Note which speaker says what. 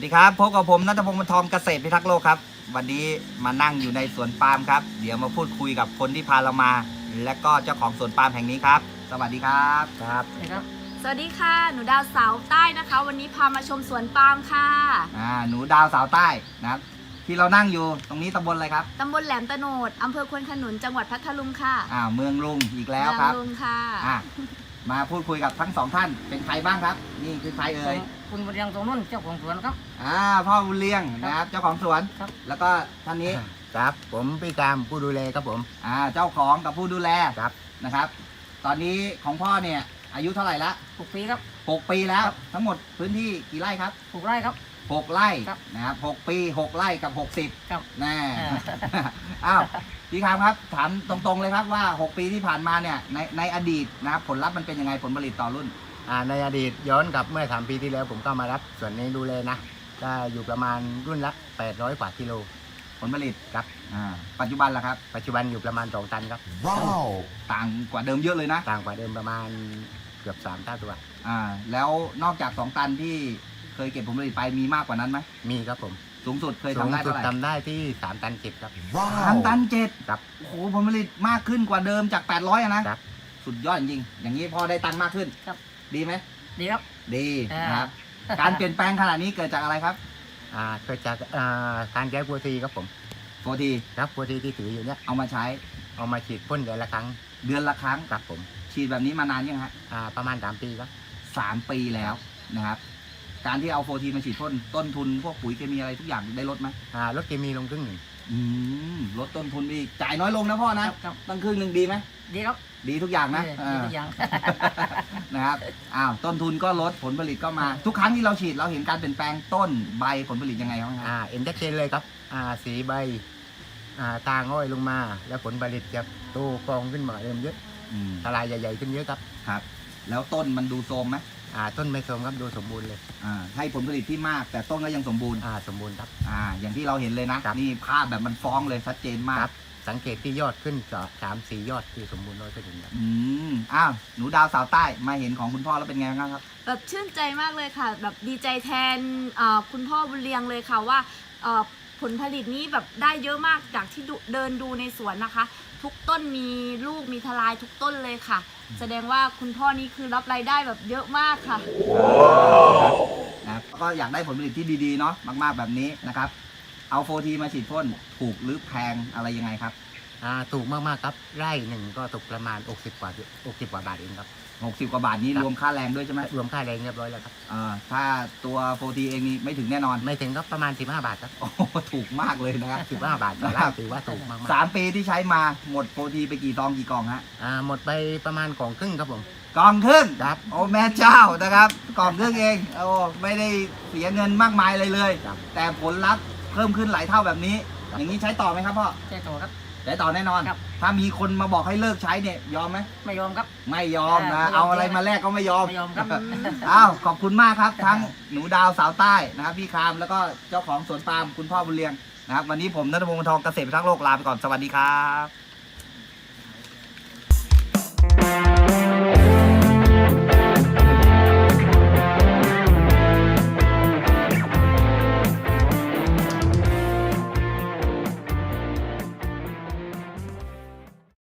Speaker 1: ดีครับพบกับผมณัฐพงศ์ บรรทองเกษตรพิทักษ์โลกครับวันนี้มานั่งอยู่ในสวนปาล์มครับเดี๋ยวมาพูดคุยกับคนที่พาเรามาและก็เจ้าของสวนปาล์มแห่งนี้ครับสวัสดีครับ
Speaker 2: สวัสดีค่ะหนูดาวสาวใต้นะคะ วันนี้พามาชมสวนปาล์มค่ะ
Speaker 1: หนูดาวสาวใต้นะครับที่เรานั่งอยู่ตรงนี้ตำบลอะไรครับ
Speaker 2: ตำบลแหลมตะโนดอำเภอควนขนุนจังหวัดพัทลุงค่ะ
Speaker 1: เมืองลุงอีกแล้วครับ
Speaker 2: เมืองลุงค่ะ
Speaker 1: มาพูดคุยกับทั้งสองท่านเป็นใครบ้างครับนี่คือใครเอ่ย
Speaker 3: คุณบุญเรียงตรงนู้นเจ้าของสวนครับ
Speaker 1: พ่อบุญเรียงนะครับเจ้าของสวน
Speaker 3: ครับ
Speaker 1: แล้วก็ท่านนี้
Speaker 4: ครับผมพี่กามผู้ดูแลครับผม
Speaker 1: เจ้าของกับผู้ดูแล
Speaker 4: ครับ
Speaker 1: นะครับ ตอนนี้ของพ่อเนี่ยอายุเท่าไหร่ละ
Speaker 3: 6 ปีครับ
Speaker 1: 6 ปีแล้วทั้งหมดพื้นที่กี่ไร่ครับ
Speaker 3: 6 ไร่ครับ
Speaker 1: 6 ไร่นะครับ6 ปี6 ไร่กับ60
Speaker 3: ครับ
Speaker 1: แน่พี่คามครับถามตรงๆเลยครับว่า6 ปีที่ผ่านมาเนี่ยในอดีตนะครับผลลัพธ์มันเป็นยังไงผลผลิตต่อรุ่น
Speaker 4: ในอดีตย้อนกลับเมื่อ3 ปีที่แล้วผมก็มารับส่วนนี้ดูแลนะก็อยู่ประมาณรุ่นละ800 กว่ากิโล
Speaker 1: ผลผลิต
Speaker 4: ครับ
Speaker 1: ปัจจุบันล่ะครับ
Speaker 4: ปัจจุบันอยู่ประมาณ2 ตันครับ
Speaker 1: ว้าวต่างกว่าเดิมเยอะเลยนะ
Speaker 4: ต่างกว่าเดิมประมาณเกือบ3 เท่าตัว
Speaker 1: แล้วนอกจาก2 ตันที่เคยเก็บผลผลิตไปมีมากกว่านั้นไหม
Speaker 4: มีครับผม
Speaker 1: สูงสุดเคยทำได้เท่าไหร่
Speaker 4: ทำได้ที่3 ตัน 7ครับ
Speaker 1: 3 ตัน 7
Speaker 4: ครับ
Speaker 1: โอ้โหผลผลิตมากขึ้นกว่าเดิมจาก800นะครับสุดยอดจริงอย่างนี้พอได้ตังค์มากขึ้น
Speaker 3: ครับ
Speaker 1: ดีไหม
Speaker 3: ดีครับ
Speaker 1: ดีนะครับการเปลี่ยนแปลงขนาดนี้เกิดจากอะไรครับ
Speaker 4: เกิดจากการใช้โฟทีครับผม
Speaker 1: โฟที
Speaker 4: ครับโฟทีที่ถืออยู่เนี่ย
Speaker 1: เอามาใช้
Speaker 4: เอามาฉีดพ่นเดือนละครั้ง
Speaker 1: ครับ
Speaker 4: ผม
Speaker 1: ฉีดแบบนี้มานานยังฮะ
Speaker 4: ประมาณ3 ปีครับ
Speaker 1: 3 ปีแล้วนะครับการที่เอาโฟทีมาฉีดพ่นต้นทุนพวกปุ๋ยเคมีอะไรทุกอย่างได้ลดไหม
Speaker 4: ลดเคมีลงครึ่งหนึ่ง
Speaker 1: ลดต้นทุนอีกจ่ายน้อยลงนะพ่อนะตั้งครึ่งหนึ่งดีไหม
Speaker 3: ดีครับ
Speaker 1: ดีทุกอย่างนะ
Speaker 3: ดีทุกอย่าง
Speaker 1: นะครับต้นทุนก็ลดผลผลิตก็มาทุกครั้งที่เราฉีดเราเห็นการเปลี่ยนแปลงต้นใบผลผลิตยังไงครับ
Speaker 4: เห็นชัดเจนเลยครับสีใบตาง่อยลงมาแล้วผลผลิตจะโตกองขึ้นมาเริ่มเยอะทลายใหญ่ๆขึ้นเยอะครับ
Speaker 1: แล้วต้นมันดูโทรมไหม
Speaker 4: ต้นไม่โทรมครับดูสมบูรณ์เลย
Speaker 1: ให้ผลผลิตที่มากแต่ต้นก็ยังสมบูรณ์
Speaker 4: สมบูรณ์ครับ
Speaker 1: อย่างที่เราเห็นเลยนะนี่ภาพแบบมันฟ้องเลยชัดเจนมาก
Speaker 4: สังเกตที่ยอดขึ้น3-4 ยอดที่สมบูรณ์100%ครับ
Speaker 1: หนูดาวสาวใต้มาเห็นของคุณพ่อแล้วเป็นไงบ้างครับ
Speaker 2: แบบชื่นใจมากเลยค่ะแบบดีใจแทนคุณพ่อบุญเรียงเลยค่ะว่าผลผลิตนี้แบบได้เยอะมากจากที่เดินดูในสวนนะคะทุกต้นมีลูกมีทลายทุกต้นเลยค่ะแสดงว่าคุณพ่อนี้คือรับรายได้แบบเยอะมากค่ะ
Speaker 1: นะก็อยากได้ผลผลิตที่ดีๆเนาะมากๆแบบนี้นะครับเอาโฟทีมาฉีดพ่นถูกหรือแพงอะไรยังไงครับ
Speaker 4: ถูกมากๆครับไร่หนึ่งก็ตกประมาณ60 กว่าบาทเองครับ
Speaker 1: 60 กว่าบาทนี้รวมค่าแรงด้วยใช่ไหม
Speaker 4: รวมค่าแรงเรียบร้อยแล้วครับ
Speaker 1: ถ้าตัวโฟทีเองนี่ไม่ถึงแน่นอน
Speaker 4: ไม่ถึงก็ประมาณ15 บาทครับ
Speaker 1: โอ้ถูกมากเลยนะครับ
Speaker 4: 15 บาทต่อไร่ถือว่าถูกมาก
Speaker 1: 3 ปีที่ใช้มาหมดโฟทีไปกี่ซองกี่กล่องฮะ
Speaker 4: หมดไปประมาณกล่องครึ่งครับผม
Speaker 1: กล่องครึ่ง
Speaker 4: ครับ
Speaker 1: โอ้แม่เจ้านะครับกล่องครึ่งเองโอ้ไม่ได้เสียเงินมากมายเลยแต่ผลลัพธ์เพิ่มขึ้นหลายเท่าแบบนี้อย่างนี้ใช้ต่อไหมครับพ่อ
Speaker 3: ใช้ต่อครับ
Speaker 1: ใช้ต่อแน่นอนถ้ามีคนมาบอกให้เลิกใช้เนี่ยยอมไหม
Speaker 3: ไม่ยอมครับ
Speaker 1: ไม่ยอมนะเอาอะไรมาแลกก็ไม่ยอม
Speaker 3: ครับ
Speaker 1: ขอบคุณมากครับทั้งหนูดาวสาวใต้นะครับพี่คามแล้วก็เจ้าของสวนปาล์มคุณพ่อบุญเรียงนะครับวันนี้ผมณัฐพงศ์ บรรทองเกษตรพิทักษ์โลกลาไปก่อนสวัสดีครับ